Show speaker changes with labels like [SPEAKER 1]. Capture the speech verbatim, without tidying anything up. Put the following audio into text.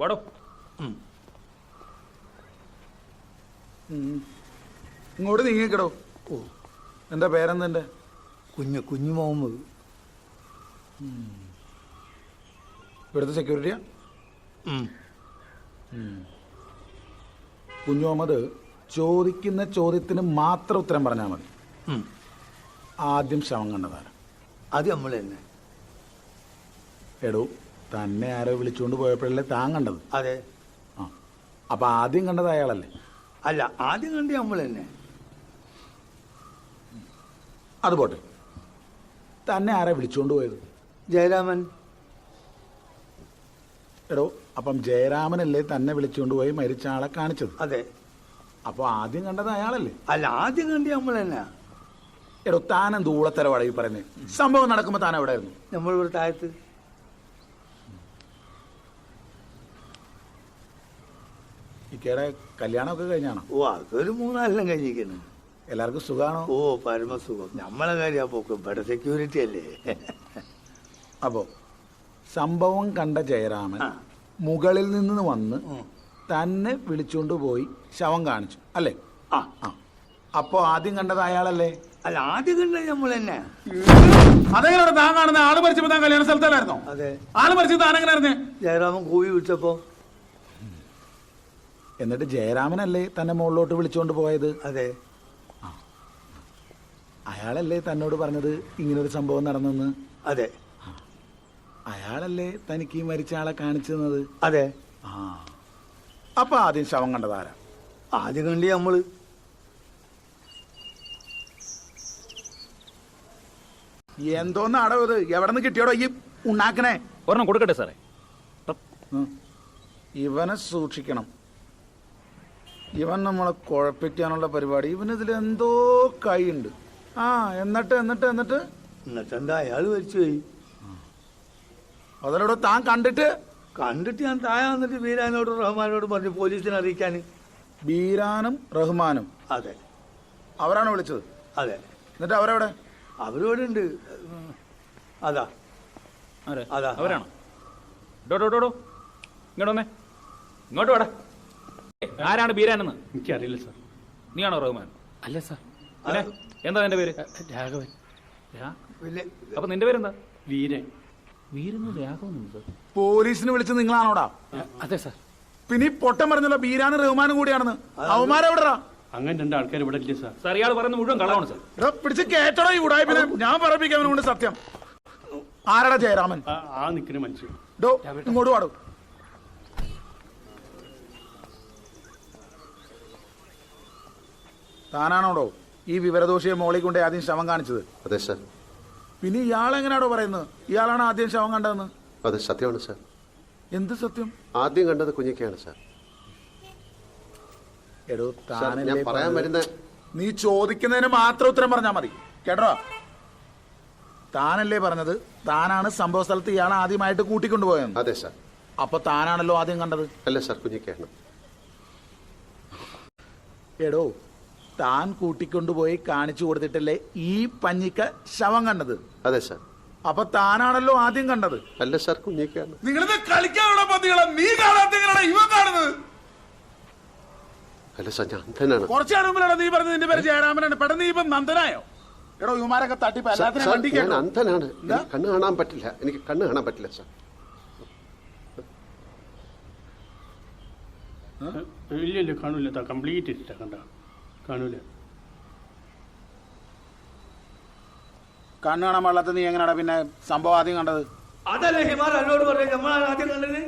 [SPEAKER 1] വാടോ.
[SPEAKER 2] ഇങ്ങോട്ട് നീങ്ങിക്കടോ.
[SPEAKER 3] ഓ,
[SPEAKER 2] എന്താ പേരെന്തെന്റെ?
[SPEAKER 3] കുഞ്ഞു കുഞ്ഞു മുഹമ്മദ്.
[SPEAKER 2] ഇവിടുത്തെ സെക്യൂരിറ്റിയാ? കുഞ്ഞു മുഹമ്മദ്, ചോദിക്കുന്ന ചോദ്യത്തിന് മാത്രം ഉത്തരം പറഞ്ഞാൽ മതി. ആദ്യം ശവം കണ്ടതാര?
[SPEAKER 3] അത് നമ്മൾ തന്നെ.
[SPEAKER 2] എടോ, തന്നെ ആരോ വിളിച്ചുകൊണ്ട് പോയപ്പോഴല്ലേ താൻ കണ്ടത്?
[SPEAKER 3] അതെ.
[SPEAKER 2] ആ, അപ്പൊ ആദ്യം കണ്ടത് അയാളല്ലേ?
[SPEAKER 3] അല്ല, ആദ്യം കണ്ടി നമ്മൾ തന്നെ.
[SPEAKER 2] അത് പോട്ടെ, തന്നെ ആരാ വിളിച്ചുകൊണ്ട് പോയത്?
[SPEAKER 3] ജയരാമൻ.
[SPEAKER 2] എടോ, അപ്പം ജയരാമനല്ലേ തന്നെ വിളിച്ചുകൊണ്ട് പോയി മരിച്ച ആളെ കാണിച്ചത്?
[SPEAKER 3] അതെ.
[SPEAKER 2] അപ്പൊ ആദ്യം കണ്ടത് അയാളല്ലേ?
[SPEAKER 3] അല്ല, ആദ്യം കണ്ടി നമ്മൾ തന്നെ.
[SPEAKER 2] എടോ, താൻ എന്ത് ഊളത്തരവാടാ ഈ പറയുന്നത്? സംഭവം നടക്കുമ്പോ താൻ എവിടെ ആയിരുന്നു?
[SPEAKER 3] നമ്മൾ ഇവിടെ താഴത്ത്.
[SPEAKER 2] ഇക്കയുടെ കല്യാണമൊക്കെ കഴിഞ്ഞാണോ?
[SPEAKER 3] ഓ, അതൊരു മൂന്നാലെല്ലാം കഴിഞ്ഞിരിക്കുന്നു.
[SPEAKER 2] എല്ലാവർക്കും സുഖാണോ?
[SPEAKER 3] ഓ, പരമസുഖം. നമ്മളെ കാര്യം പോക്കും ഇവിടെ സെക്യൂരിറ്റി അല്ലേ.
[SPEAKER 2] അപ്പോ സംഭവം കണ്ട ജയരാമൻ മുകളിൽ നിന്ന് വന്ന് തന്നെ വിളിച്ചുകൊണ്ട് പോയി ശവം കാണിച്ചു അല്ലേ?
[SPEAKER 3] ആ
[SPEAKER 2] ആ, അപ്പോ ആദ്യം കണ്ടത് അയാളല്ലേ?
[SPEAKER 3] അല്ല, ആദ്യം കണ്ടത് നമ്മൾ തന്നെ.
[SPEAKER 2] അതെങ്ങനെ താൻ കാണുന്ന? ആള് മരിച്ചപ്പോ താൻ കല്യാണ സ്ഥലത്തല്ലായിരുന്നോ?
[SPEAKER 3] അതെ.
[SPEAKER 2] ആള് മരിച്ചത് താൻ എങ്ങനെയായിരുന്നേ?
[SPEAKER 3] ജയരാമൻ കൂവി വിളിച്ചപ്പോ.
[SPEAKER 2] എന്നിട്ട് ജയരാമനല്ലേ തന്നെ മുകളിലോട്ട് വിളിച്ചുകൊണ്ട് പോയത്?
[SPEAKER 3] അതെ.
[SPEAKER 2] അയാളല്ലേ തന്നോട് പറഞ്ഞത് ഇങ്ങനൊരു സംഭവം നടന്നെന്ന്?
[SPEAKER 3] അതെ.
[SPEAKER 2] അയാളല്ലേ തനിക്ക് ഈ മരിച്ച ആളെ കാണിച്ചു തന്നത്?
[SPEAKER 3] അതെ.
[SPEAKER 2] ആ, അപ്പൊ ആദ്യം ശവം കണ്ടതാരാ?
[SPEAKER 3] ആദ്യം കണ്ടി നമ്മള്.
[SPEAKER 2] എന്തോന്ന് അടവ് ഇത്? എവിടെ നിന്ന് കിട്ടിയോടോ ഈ ഉണ്ടാക്കണേ?
[SPEAKER 1] ഒരെണ്ണം കൊടുക്കട്ടെ സാറേ.
[SPEAKER 2] ഇവനെ സൂക്ഷിക്കണം. ഇവൻ നമ്മളെ കുഴപ്പിക്കാനുള്ള പരിപാടി. ഇവനിതിൽ എന്തോ കൈയുണ്ട്. ആ, എന്നിട്ട് എന്നിട്ട് എന്നിട്ട്
[SPEAKER 3] എന്നിട്ട് എന്താ, അയാൾ മരിച്ചു പോയി.
[SPEAKER 2] അതിലൂടെ താൻ കണ്ടിട്ട്?
[SPEAKER 3] കണ്ടിട്ട് ഞാൻ താഴെ വന്നിട്ട് ബീരാനോടും റഹ്മാനോടും പറഞ്ഞു പോലീസിനെ അറിയിക്കാൻ.
[SPEAKER 2] ബീരാനും റഹ്മാനും?
[SPEAKER 3] അതെ.
[SPEAKER 2] അവരാണ് വിളിച്ചത്?
[SPEAKER 3] അതെ.
[SPEAKER 2] എന്നിട്ട് അവരെവിടെ?
[SPEAKER 3] അവരോട് ഉണ്ട്. അതാ അതാ
[SPEAKER 1] അവരാണോ? ഡോ ഡോ ഡോ ഡോ ഇങ്ങോട്ട് വന്നേ. ഇങ്ങോട്ട് വേടാ. ആരാണ് ബീരാനെന്ന്?
[SPEAKER 4] എനിക്കറിയില്ല സാർ.
[SPEAKER 1] നീയാണോ റഹ്മാൻ?
[SPEAKER 4] അല്ല സാർ.
[SPEAKER 1] പിന്നെ എന്താ നിന്റെ പേര്?
[SPEAKER 4] രാഘവൻ.
[SPEAKER 1] അപ്പൊ നിന്റെ പേരെന്താ?
[SPEAKER 4] വീരൻ.
[SPEAKER 1] വീരെന്ന് രാഘവൻ.
[SPEAKER 2] പോലീസിന് വിളിച്ചത് നിങ്ങളാണോടാ?
[SPEAKER 4] അതെ സാർ.
[SPEAKER 2] പിന്നെ ഈ പൊട്ടം പറഞ്ഞല്ലോ ബീരാനും റഹ്മാനും കൂടിയാണെന്ന്. അവന്മാരെവിടാ?
[SPEAKER 4] അങ്ങനെ രണ്ട് ആൾക്കാർ ഇവിടെ ഇല്ല സാർ.
[SPEAKER 1] സാർ, ഇയാൾ പറയുന്നത് മുഴുവൻ കള്ളമാണ് സാർ.
[SPEAKER 2] പിടിച്ച് കേട്ടോടാ ഈ ഉടായ്പിനെ. ഞാൻ പറപ്പിക്കാൻ കൊണ്ട് സത്യം. ആരാടാ ജയരാമൻ?
[SPEAKER 4] ആ നിൽക്കുന്ന മനുഷ്യൻ.
[SPEAKER 2] ഡോ, ഇങ്ങോട്ട് പാടും. താനാണോടോ ഈ വിവരദോഷിയെ മോളിൽ കൊണ്ട് ആദ്യം ശവം കാണിച്ചത്?
[SPEAKER 5] അതെ സാർ.
[SPEAKER 2] പിന്നെ ഇയാളെങ്ങനെയാണോ പറയുന്നത് ഇയാളാണ് ആദ്യം ശവം കണ്ടതെന്ന്?
[SPEAKER 5] അതെ, സത്യമാണ് സാർ.
[SPEAKER 2] എന്ത് സത്യം?
[SPEAKER 5] ആദ്യം കണ്ടത് കുഞ്ഞിക്കയാണ് സാർ.
[SPEAKER 2] എടോ,
[SPEAKER 5] ഞാൻ പറയാൻ വരുന്ന,
[SPEAKER 2] നീ ചോദിക്കുന്നതിന് മാത്രം ഉത്തരം പറഞ്ഞാൽ മതി കേട്ടോ. താനല്ലേ പറഞ്ഞത് താനാണ് സംഭവ സ്ഥലത്ത് ഇയാളെ ആദ്യമായിട്ട് കൂട്ടിക്കൊണ്ടുപോയെന്ന്?
[SPEAKER 5] അതെ സാർ.
[SPEAKER 2] അപ്പൊ താനാണല്ലോ ആദ്യം കണ്ടത്?
[SPEAKER 5] അല്ല സാർ, കുഞ്ഞിക്കയാണ്.
[SPEAKER 2] എടോ, താൻ കൂട്ടിക്കൊണ്ടുപോയി കാണിച്ചു കൊടുത്തിട്ടല്ലേ ഈ പഞ്ഞിക്ക ശവം കണ്ടത്?
[SPEAKER 5] അതെ സാർ.
[SPEAKER 2] അപ്പൊ താനാണല്ലോ ആദ്യം കണ്ടത്?
[SPEAKER 5] അല്ല സാർ, കുഞ്ഞിക്കയാണ്.
[SPEAKER 2] നിങ്ങളിത് കളിക്കാനുള്ള പതികളെ നീ കാണാത്തങ്ങളാണ് ഇവ കാണുന്നത്.
[SPEAKER 5] അല്ല സാർ, ഞാൻ അന്ധനാണ്.
[SPEAKER 2] കുറച്ചാണ് മുമ്പിലാണ് നീ പറഞ്ഞത് നിന്റെ പേര് ജയരാമനാണ്. പെട്ടെന്ന് നീ ഇപ്പം നന്ദനായോ? എടോ, ഇവന്മാരൊക്കെ തട്ടിപ്പ് എല്ലാത്തിനും വണ്ടി
[SPEAKER 5] ഞാൻ
[SPEAKER 2] കേട്ടോ.
[SPEAKER 5] അന്ധനാണ്. എനിക്ക് കണ്ണ് കാണാൻ പറ്റില്ല. എനിക്ക് കണ്ണ് കാണാൻ പറ്റില്ല സാർ.
[SPEAKER 4] ഇല്ല ഇല്ല, കാണൂല. കംപ്ലീറ്റ് ഇല്ല. കണ്ട കാണൂല.
[SPEAKER 2] കണ്ണ് കാണാൻ പാടില്ലാത്ത നീ എങ്ങനെയാടാ പിന്നെ സംഭവം ആദ്യം കണ്ടത്?
[SPEAKER 3] അതല്ലേ ഹിമാർ എന്നോട് പറഞ്ഞു നമ്മളാണ് ആദ്യം കണ്ടത്.